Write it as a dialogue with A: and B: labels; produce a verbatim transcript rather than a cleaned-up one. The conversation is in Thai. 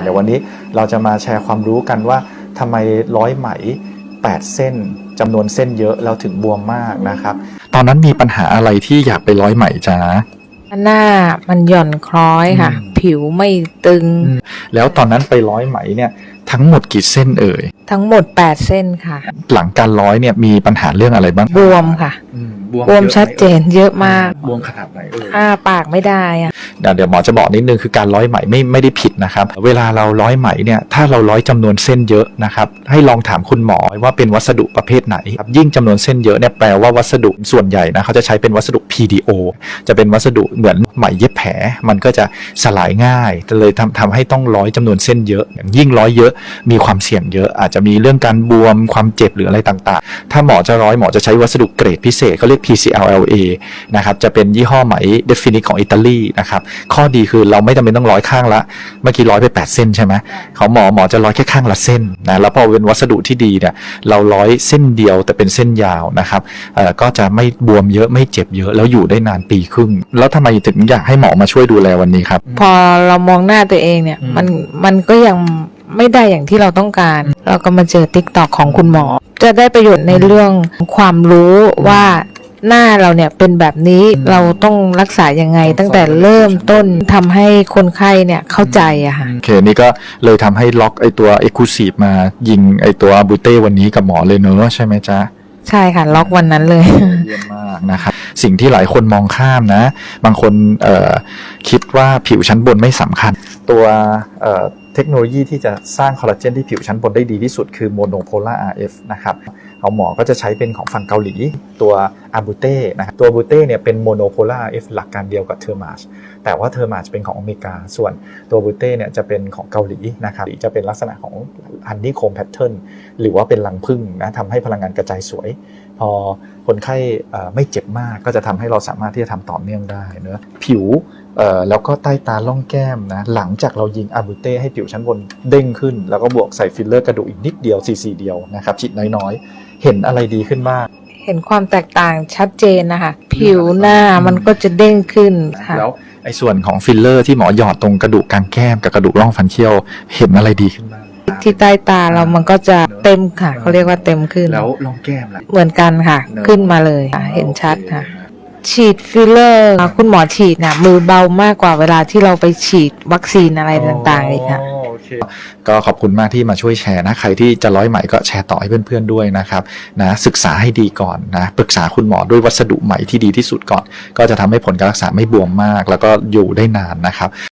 A: เดี๋ยววันนี้เราจะมาแชร์ความรู้กันว่าทำไมร้อยไหมแปดเส้นจำนวนเส้นเยอะแล้วถึงบวมมากนะครับตอนนั้นมีปัญหาอะไรที่อยากไปร้อยไหมจ๊ะ
B: หน้ามันหย่อนคล้อยค่ะผิวไม่ตึง
A: แล้วตอนนั้นไปร้อยไหมเนี่ยทั้งหมดกี่เส้นเอ่ย
B: ทั้งหมดแปดเส้นค่ะ
A: หลังการร้อยเนี่ยมีปัญหาเรื่องอะไรบ้าง
B: บวมค่ะบวมชัดเจนเยอะมาก
A: บวมขนาดไหนเอ่ย
B: อ้าปากไม่ได้อะ
A: เดี๋ยวหมอจะบอกนิดนึงคือการร้อยไหมไม่ไม่ได้ผิดนะครับเวลาเราร้อยไหมเนี่ยถ้าเราร้อยจำนวนเส้นเยอะนะครับให้ลองถามคุณหมอว่าเป็นวัสดุประเภทไหนครับยิ่งจำนวนเส้นเยอะเนี่ยแปลว่าวัสดุส่วนใหญ่นะเขาจะใช้เป็นวัสดุ พี ดี โอ จะเป็นวัสดุเหมือนไหมเย็บแผลมันก็จะสลายง่ายเลยทำทำให้ต้องร้อยจำนวนเส้นเยอะยิ่งร้อยเยอะมีความเสี่ยงเยอะอาจจะมีเรื่องการบวมความเจ็บหรืออะไรต่างๆถ้าหมอจะร้อยหมอจะใช้วัสดุเกรดพิเศษเขาเรียก พี ซี แอล แอล เอ นะครับจะเป็นยี่ห้อไหม Definite ของอิตาลีนะครับข้อดีคือเราไม่จำเป็นต้องร้อยข้างละเมื่อกี้ร้อยไปแปดเส้นใช่ไหมเขาหมอหมอจะร้อยแค่ข้างละเส้นนะแล้วพอเป็นวัสดุที่ดีเนี่ยเราร้อยเส้นเดียวแต่เป็นเส้นยาวนะครับเอ่อก็จะไม่บวมเยอะไม่เจ็บเยอะแล้วอยู่ได้นานปีครึ่งแล้วทำไมถึงอยากให้หมอมาช่วยดูแลวันนี้ครับ
B: พอเรามองหน้าตัวเองเนี่ยมันมันก็ยังไม่ได้อย่างที่เราต้องการเราก็มาเจอ TikTok ของคุณหมอจะได้ประโยชน์ในเรื่องความรู้ว่าหน้าเราเนี่ยเป็นแบบนี้เราต้องรักษายังไงตั้งแต่เริ่มต้นทำให้คนไข้เนี่ยเข้าใจอะค่ะ
A: โอเคนี่ก็เลยทำให้ล็อกไอตัว Exclusive มายิงไอตัวบูเต้วันนี้กับหมอเลยเนอะใช่ไหมจ๊ะ
B: ใช่ค่ะล็อกวันนั้นเลย
A: เยี่ยมมากนะครับสิ่งที่หลายคนมองข้ามนะบางคนเอ่อคิดว่าผิวชั้นบนไม่สำคัญตัวเอ่อเทคโนโลยีที่จะสร้างคอลลาเจนที่ผิวชั้นบนได้ดีที่สุดคือ Monopolar อาร์ เอฟ นะครับเอาหมอก็จะใช้เป็นของฝั่งเกาหลีตัวอาบูเต้นะครับตัวบูเต้เนี่ยเป็น Monopolar อาร์ เอฟ หลักการเดียวกับเทอร์มาชแต่ว่าเทอร์มาชเป็นของอเมริกาส่วนตัวบูเต้เนี่ยจะเป็นของเกาหลีนะครับจะเป็นลักษณะของฮันนี่โคมแพทเทิร์นหรือว่าเป็นรังผึ้งนะทำให้พลังงานกระจายสวยพอคนไข้ไม่เจ็บมากก็จะทำให้เราสามารถที่จะทำต่อเนื่องได้เนอะผิวแล้วก็ใต้ตาล่องแก้มนะหลังจากเรายิงอาบูเต้ให้ผิวชั้นบนเด้งขึ้นแล้วก็บวกใส่ฟิลเลอร์กระดูกอีกนิดเดียวซีซีเดียวนะครับฉีดน้อยๆเห็นอะไรดีขึ้นบ้าง
B: เห็นความแตกต่างชัดเจนนะคะผิวหน้ามันก็จะเด้งขึ้นค่ะ
A: แล้วไอ้ส่วนของฟิลเลอร์ที่หมอหยอดตรงกระดูกกลางแก้มกับกระดูกร่องฟันเคี้ยวเห็นอะไรดีขึ้นบ้าง
B: ที่ใต้ตาเรามันก็จะเต็มค่ะเขาเรียกว่าเต็มขึ้น
A: แล้วร่องแก้มล่ะ
B: เหมือนกันค่ะขึ้นมาเลยค่ะเห็นชัดค่ะฉีดฟิลเลอร์คุณหมอฉีดเนี่ยมือเบามากกว่าเวลาที่เราไปฉีดวัคซีนอะไรต่างๆเลยค่ะ
A: ก็ขอบคุณมากที่มาช่วยแชร์นะใครที่จะร้อยไหมก็แชร์ต่อให้เพื่อนๆด้วยนะครับนะศึกษาให้ดีก่อนนะปรึกษาคุณหมอด้วยวัสดุไหมที่ดีที่สุดก่อนก็จะทำให้ผลการรักษาไม่บวมมากแล้วก็อยู่ได้นานนะครับ